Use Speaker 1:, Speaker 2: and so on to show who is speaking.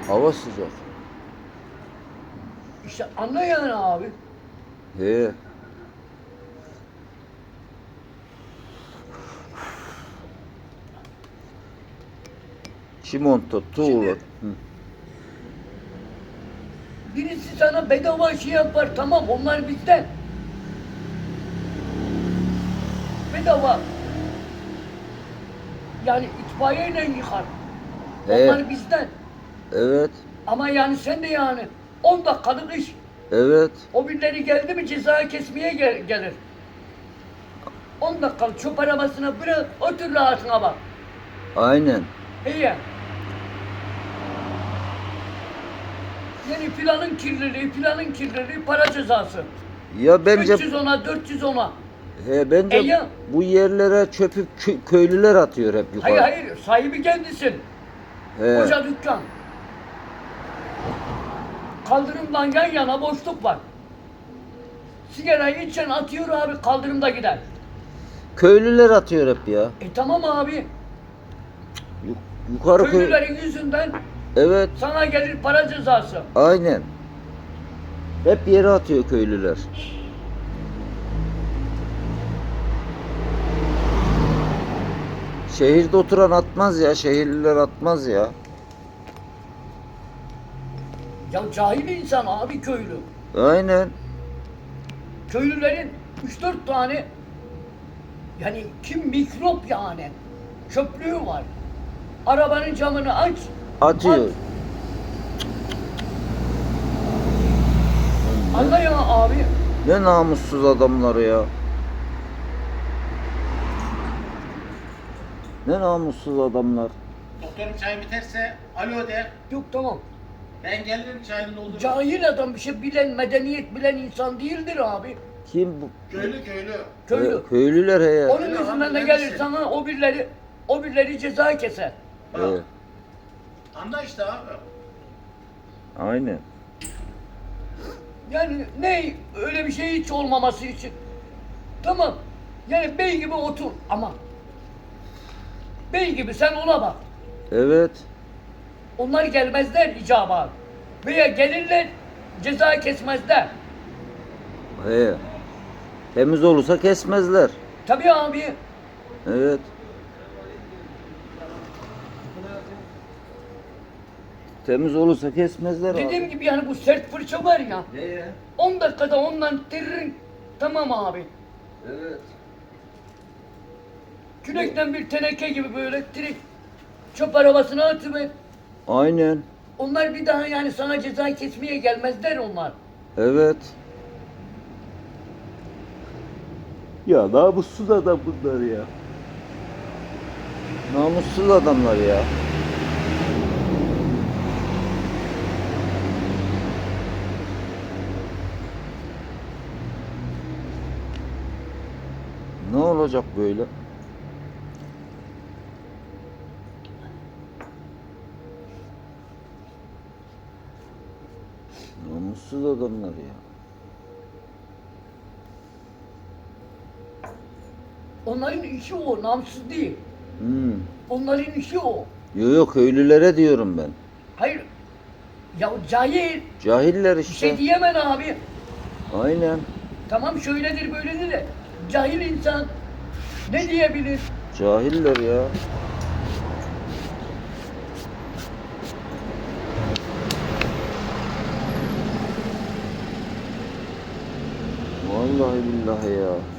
Speaker 1: Hava sıcak.
Speaker 2: İşte anla yani abi.
Speaker 1: He. Çimento, tuğla.
Speaker 2: Şimdi
Speaker 1: Hı.
Speaker 2: birisi sana bedava şey yapar, tamam, onlar bizden. Bedava. Yani itfaiyeyle yıkar.
Speaker 1: He.
Speaker 2: Onlar bizden.
Speaker 1: Evet.
Speaker 2: Ama yani sen de yani 10 dakikalık iş.
Speaker 1: Evet.
Speaker 2: O birileri geldi mi ceza kesmeye gelir. 10 dakikalık çöp arabasına bırak, otur rahatına bak.
Speaker 1: Aynen.
Speaker 2: İyi. Yani planın kirliliği para cezası.
Speaker 1: Ya bence
Speaker 2: 310'a, 410'a.
Speaker 1: bence
Speaker 2: Ya.
Speaker 1: bu yerlere çöpü köylüler atıyor hep yukarı.
Speaker 2: Hayır, sahibi kendisin.
Speaker 1: He.
Speaker 2: Koca dükkan. Kaldırımdan yan yana boşluk var. Sigarayı içen atıyor abi, kaldırımda gider.
Speaker 1: Köylüler atıyor hep ya.
Speaker 2: Tamam abi,
Speaker 1: Yukarı köy.
Speaker 2: köylülerin yüzünden
Speaker 1: Evet.
Speaker 2: sana gelir para cezası.
Speaker 1: Aynen. Hep yere atıyor köylüler. Şehirde oturan atmaz ya. Şehirliler atmaz ya.
Speaker 2: Ya cahil insan abi köylü.
Speaker 1: Aynen.
Speaker 2: Köylülerin 3-4 tane yani kim mikrop yani çöplüğü var. Arabanın camını aç.
Speaker 1: Atıyor.
Speaker 2: At. Anla ya abi.
Speaker 1: Ne namussuz adamlar ya. Ne namussuz adamlar.
Speaker 3: Doktorum çay biterse alo de.
Speaker 2: Yok tamam.
Speaker 3: Ben gelirim çayını doldururum.
Speaker 2: Cahil adam bir şey bilen, medeniyet bilen insan değildir abi.
Speaker 1: Kim bu?
Speaker 3: Köylü.
Speaker 2: Köylü.
Speaker 1: Köylüler he ya.
Speaker 2: Onun
Speaker 3: Öyle
Speaker 2: yüzünden
Speaker 3: abi,
Speaker 2: de
Speaker 3: ben
Speaker 2: gelir
Speaker 3: misin?
Speaker 2: sana o birileri ceza keser.
Speaker 3: Bak.
Speaker 1: He.
Speaker 3: Anla işte abi.
Speaker 1: Aynen.
Speaker 2: Yani ne öyle bir şey hiç olmaması için. Tamam. Yani bey gibi otur ama bey gibi sen ona bak.
Speaker 1: Evet.
Speaker 2: Onlar gelmezler icaba. Veya gelirler ceza kesmezler.
Speaker 1: He. Temiz olursa kesmezler.
Speaker 2: Tabii abi.
Speaker 1: Evet. Temiz olursa kesmezler
Speaker 2: Dediğim
Speaker 1: abi.
Speaker 2: gibi yani bu sert fırça var ya.
Speaker 1: He.
Speaker 2: 10 dakikada ondan tırırın. Tamam abi.
Speaker 1: Evet.
Speaker 2: Kürekten bir teneke gibi böyle direkt çöp arabasına atıver.
Speaker 1: Aynen.
Speaker 2: Onlar bir daha yani sana ceza kesmeye gelmezler onlar.
Speaker 1: Evet. Ya namussuz adam bunlar ya. Namussuz adamlar ya. Ne olacak böyle? Namussuz adamlar ya.
Speaker 2: Onların işi o, namsız değil.
Speaker 1: Hmm.
Speaker 2: Onların işi o.
Speaker 1: Yok köylülere diyorum ben.
Speaker 2: Hayır. Ya cahil.
Speaker 1: Cahiller
Speaker 2: Bir
Speaker 1: işte.
Speaker 2: şey diyemem abi.
Speaker 1: Aynen.
Speaker 2: Tamam şöyledir böyledir de. Cahil insan ne diyebilir?
Speaker 1: Cahiller ya. Vallahi billahi ya.